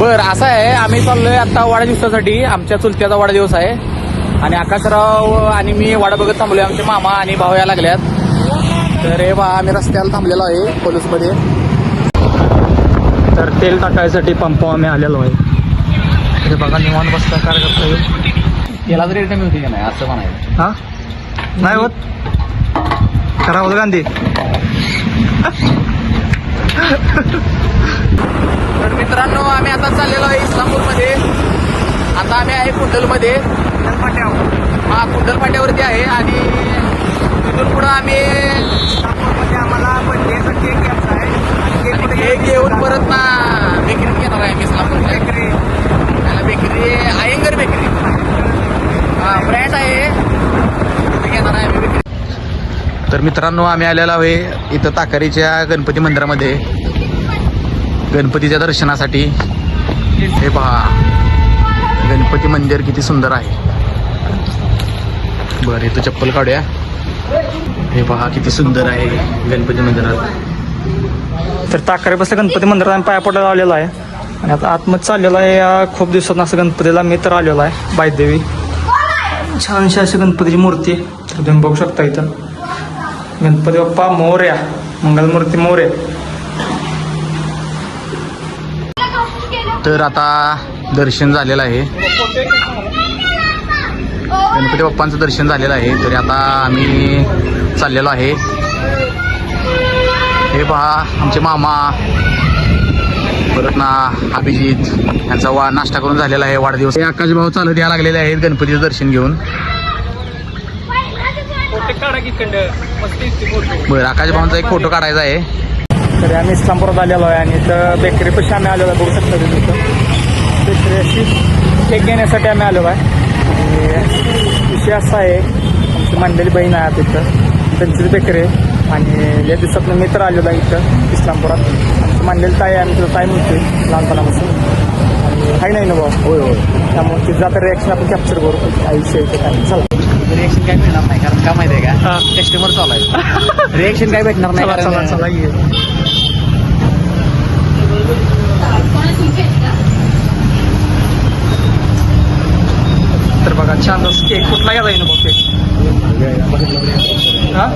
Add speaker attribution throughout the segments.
Speaker 1: बर असं आहे, आम्ही चाललोय आता वाढदिवसासाठी. आमच्या चुलत्याचा वाढदिवस आहे आणि आकाशराव आणि मी वाडा बघत थांबलोय. आमचे मामा आणि भाऊ या लागल्यात. तर हे बा आम्ही रस्त्याला थांबलेलो आहे पोलीसमध्ये. तर तेल टाकायसाठी पंप आम्ही आलेलो आहे. हे बघा निवांत बसता कार्यकर्ता येईल. तेला जरी रिटर्न होती का नाही असं म्हणायचं. हा नाही होत का राहुल गांधी. तर मित्रांनो आम्ही आता चाललेलो आहे इस्लामपूरमध्ये. आता आम्ही आहे कुंडलमध्ये. हा कुंडल फाट्यावरती आहे आणि तिथून पुढं आम्ही इस्लामपूरमध्ये आम्हाला बर्थडेचा केक घ्यायचा आहे. केक घेऊन परत ना बेकरी घेणार आहे. इस्लामपूर बेकरी त्याला बेकरी अयंगर बेकरी ब्रँड आहे तिथे घेणार आहे आम्ही बेकरी. तर मित्रांनो आम्ही आलेलो आहे इथं ताकारीच्या गणपती मंदिरामध्ये गणपतीच्या दर्शनासाठी. हे पहा गणपती मंदिर किती सुंदर आहे. बरं इथं चप्पल काढूया. हे पहा किती सुंदर आहे गणपती मंदिरात. तर ताकारे बसल्या गणपती मंदिरात आम्ही पाया पडायला आलेला आहे आणि आता आतमध्ये चाललेला आहे. या खूप दिवसात असं गणपतीला मी तर आलेला आहे. बायदेवी छानशी अशी गणपतीची मूर्ती आहे. तर तुम्ही बघू शकता इथं गणपती बाप्पा मोरया मंगलमूर्ती मोरया. तर आता दर्शन झालेलं आहे. गणपती बाप्पांचं दर्शन झालेलं आहे. तरी आता आम्ही चाललेलो आहे. हे पहा आमचे मामा परत ना अभिजित यांचा नाश्ता करून झालेला आहे वाढदिवस. हे आकाश भाऊ चालत यायला लागलेले आहेत गणपतीचं दर्शन घेऊन. बरं आकाश भाऊंचा एक फोटो काढायचा आहे. तर आम्ही इस्लामपुरात आलेलो आहे आणि इथं बेकरी पशी आम्ही आलेलो आहे. बघू शकता तुम्ही इथं बेकरी अशी केक घेण्यासाठी आम्ही आलेलो आहे. आणि विषय असा आहे आमची मंडळी बहीण आहे तिथं त्यांचीच बेकरी आहे आणि या दिवसातनं मी तर आलेलो आहे इथं इस्लामपुरात. आमची मंडळी ताई आहे. आम्ही तुझं ताई म्हणते लहानपणापासून आणि काही नाही ना भाऊ. होय होय. त्यामुळे तिचं आता रिॲक्शन आपण कॅप्चर करू आयुष्य इथे काय. चला रिॲक्शन काय मिळणार नाही कारण का माहिती आहे का कस्टमर चालू आहे. रिॲक्शन काय भेटणार नाही. तर बघा छान केक कुठला घ्यायला येईल बघ केक. हा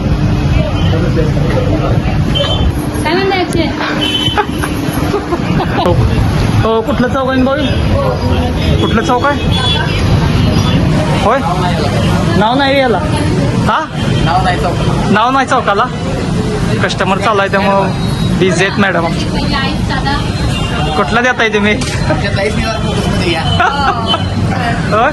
Speaker 1: हो कुठलं चौक आहे भाऊ. कुठलं चौक आहे होय. नाव नाही याला. हा नाव नाही चौकाला. कस्टमर चालू आहे त्यामुळं बिझी आहेत मॅडम. कुठला देताय तुम्ही. होय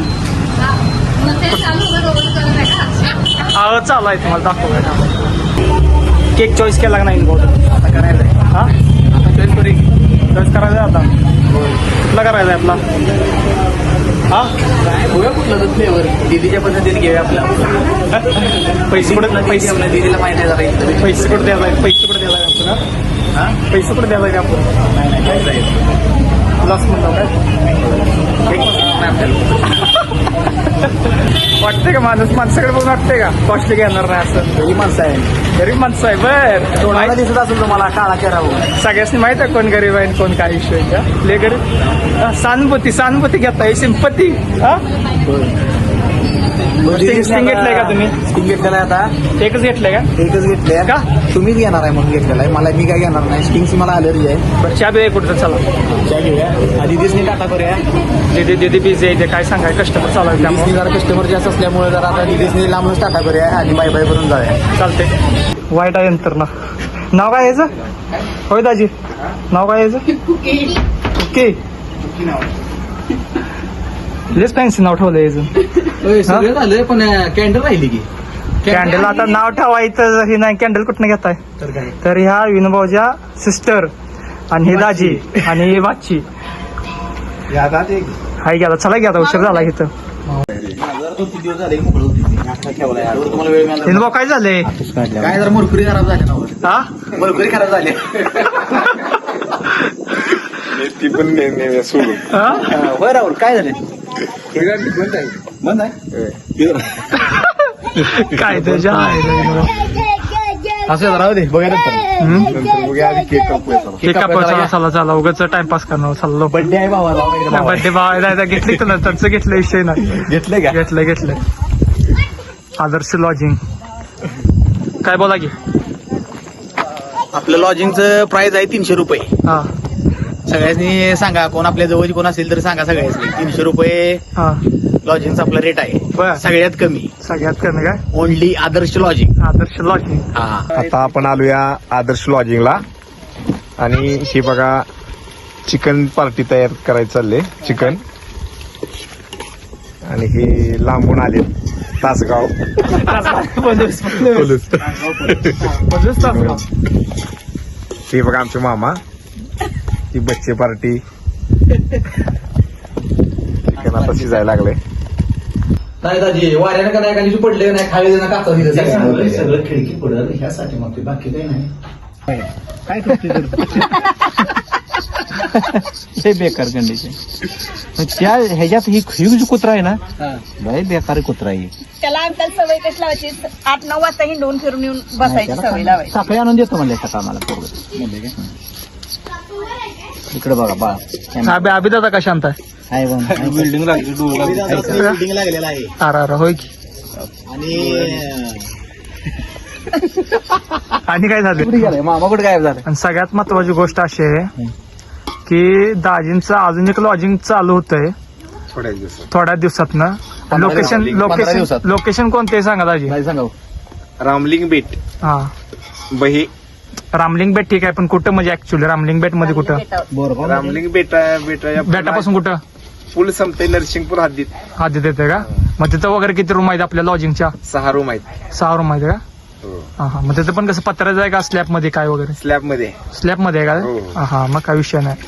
Speaker 1: हो चालू आहे तुम्हाला दाखवूया. केक चॉईस केला का नाही बहुत आता करायला आहे. हा आता चॉईस करायचा आहे आता. कुठला करायचा आहे आपला. हा बघूया कुठला तर फ्लेवर दीदीच्या पद्धतीने घेऊया आपला. पैसे कुठे आपल्या दीदीला माहिती आहे जरा. पैसे कुठे द्यायला पैसे कुठे द्यायला आपण. हा पैसे कुठे द्यायला का आपण. नाही नाही काय जाईल प्लस म्हणतो काय वाटते का माणूस माणसाकडे बघून वाटते का कॉस्टली घेणार नाही असं. गरीब माणसं आहे. गरीब माणसं आहे. बर दिसत असेल तुम्हाला काळा चेहरा सगळ्यासनी माहित आहे कोण गरीब आहे कोण काय इश्यू आहे का. ले गरीब सहानुभूती घेताय सिंपती. हा स्टिंग घेतलंय का तुम्ही. स्टिंग घेतलेला आहे आता. एकच घेतलंय का. एकच घेतलंय का तुम्हीच घेणार आहे म्हणून घेतलेला आहे. मला मी काय घेणार नाही. स्टिंगची मला अलर्जी आहे. बरं चहा बिया कुठं चला चहा घेऊया. आधी दिसणी टाटा करूया. दीदी बिझी आहे काय सांगाय कस्टमर चालू आहे त्यामुळे जरा कस्टमर जास्त असल्यामुळे जरा आता दिदीसनी लांबूनच टाटा करूया आणि बाय बाय करून जाऊया. चालते. वाईट आहे नंतर ना. नाव काय यायचं होय दाजी. नाव काय यायचं. ओके लेस फॅन्सी नाव ठेवलं यायचं. झालं पण कॅन्डल राहिली की. कॅन्डल आता नाव ठेवायचं हे नाही. कॅन्डल कुठनं घेताय तर ह्या विनोबाच्या सिस्टर आणि हे दाजी आणि ही बाची हाय गेला. चला घ्या उशीर झाला इथं. विनोबा काय झालंय काय जरा मुरकुरी खराब झाली. हा मुरकुरी खराब झाली. ती पण होय राहुल काय झालं. बंद आहे काय त्याच्या
Speaker 2: असं राहू दे बघा नंतर बघूया आधी केक कापूया चला.
Speaker 1: केक कापायचा चला चला उगाच टाइमपास करणार चाललो
Speaker 2: बर्थडे आहे भावाला
Speaker 1: बर्थडे भावायला घेतली तुला त्यांचं घेतलं विषय नाही
Speaker 2: घेतलंय का
Speaker 1: घेतलं आदर्श लॉजिंग काय बोला की
Speaker 2: आपलं लॉजिंगचं प्राइस आहे 300 रुपये
Speaker 1: हा
Speaker 2: सगळ्यांनी सांगा कोण आपल्या जवळ कोण असेल तर सांगा सगळ्यांनी 300 रुपये
Speaker 1: हा
Speaker 2: लॉजिंगचा आपला रेट आहे
Speaker 1: बर
Speaker 2: सगळ्यात कमी
Speaker 1: सगळ्यात कमी काय
Speaker 2: only Adarsh lodging
Speaker 1: Adarsh lodging
Speaker 2: हा
Speaker 3: आता आपण आलोया आदर्श लॉजिंगला आणि हे बघा चिकन पार्टी तयार करायचं चालले चिकन आणि हे लांबून आले तासगाव हे बघा आमचे मामा ही बच्चे पार्टी चिकन आता शिजायला लागले
Speaker 2: नाही दाजी वाऱ्यानं का नाही का निशी पडले नाही खाली ना काचा दिलं
Speaker 4: सगळं खिडकी पडल ह्यासाठी मग बाकी काही नाही
Speaker 2: काय करते
Speaker 4: ते बेकार कंडिशन त्या ह्याच्यात ही ह्यूज कुत्रा आहे ना लय बेकार कुत्रा आहे
Speaker 5: त्याला अंकल सवय कशी लावायची 8-9 वाजता हिंडून फिरून येऊन बसायची सवय लावायची
Speaker 4: सकाळी आणून देतो म्हणले सकाळ मला पोरगं. म्हणले का? इकडे बघा बाळा
Speaker 1: अभि दादा का शांत आहे
Speaker 4: आहे बघ बिल्डिंग
Speaker 2: बिल्डिंग लागलेला आहे
Speaker 1: अरे होय की आणि काय झालं
Speaker 4: कुठे गेलाय मामा कुठे गायब झालं
Speaker 1: आणि सगळ्यात महत्वाची गोष्ट अशी आहे की दाजींचं अजून एक लॉजिंग चालू होतंय
Speaker 3: थोड्या दिवसात
Speaker 1: थोड्या दिवसातनं लोकेशन
Speaker 2: 15 दिवसात.
Speaker 1: लोकेशन कोणते सांगा दाजी
Speaker 4: नाही सांगा
Speaker 3: रामलिंग बेट
Speaker 1: हा
Speaker 3: बही
Speaker 1: रामलिंग बेट ठीक आहे पण कुठं म्हणजे ऍक्च्युली रामलिंग बेट मध्ये कुठं
Speaker 4: बरोबर
Speaker 3: रामलिंग बेटा
Speaker 1: बेटापासून कुठं
Speaker 3: फुल संपते नरसिंगपूर हद्दीत
Speaker 1: आधी देते का मग तिथं वगैरे किती रूम आहेत आपल्या लॉजिंगच्या
Speaker 3: 6 रूम आहेत
Speaker 1: 6 रूम आहेत का हा हा मग तिथं पण कसं पत्र्याचं आहे का स्लॅब मध्ये काय वगैरे
Speaker 3: स्लॅब मध्ये
Speaker 1: स्लॅब मध्ये आहे
Speaker 3: हो.
Speaker 1: का हा मग काय विषय नाही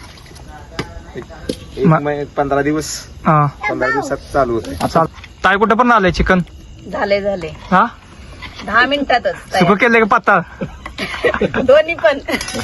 Speaker 3: 15 दिवस
Speaker 1: हा
Speaker 3: 15 दिवसात चालू होते
Speaker 1: चाल ताई कुठं पण आलंय चिकन
Speaker 5: झाले
Speaker 1: हा
Speaker 5: 10 मिनिटातच
Speaker 1: सुकं
Speaker 5: तयार.
Speaker 1: केलंय का पाता
Speaker 5: दोन्ही पण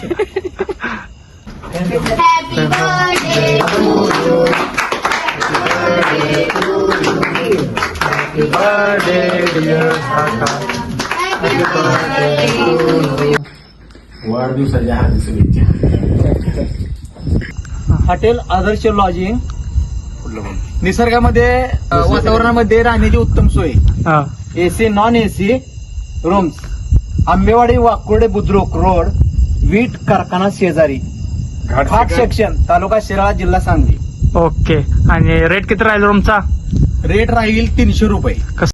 Speaker 4: वाढदिवसाच्या हार्दिक शुभेच्छा
Speaker 2: हॉटेल आदर्श लॉजिंग निसर्गामध्ये वातावरणामध्ये राहण्याची उत्तम सोय
Speaker 1: हा
Speaker 2: AC non AC rooms Ambewadi Wakurde Budruk road वीट कारखाना शेजारी घाट सेक्शन तालुका शिराळा जिल्हा सांगली
Speaker 1: ओके आणि रेट किती राहील रूमचा
Speaker 2: रेट राहील 300 रुपये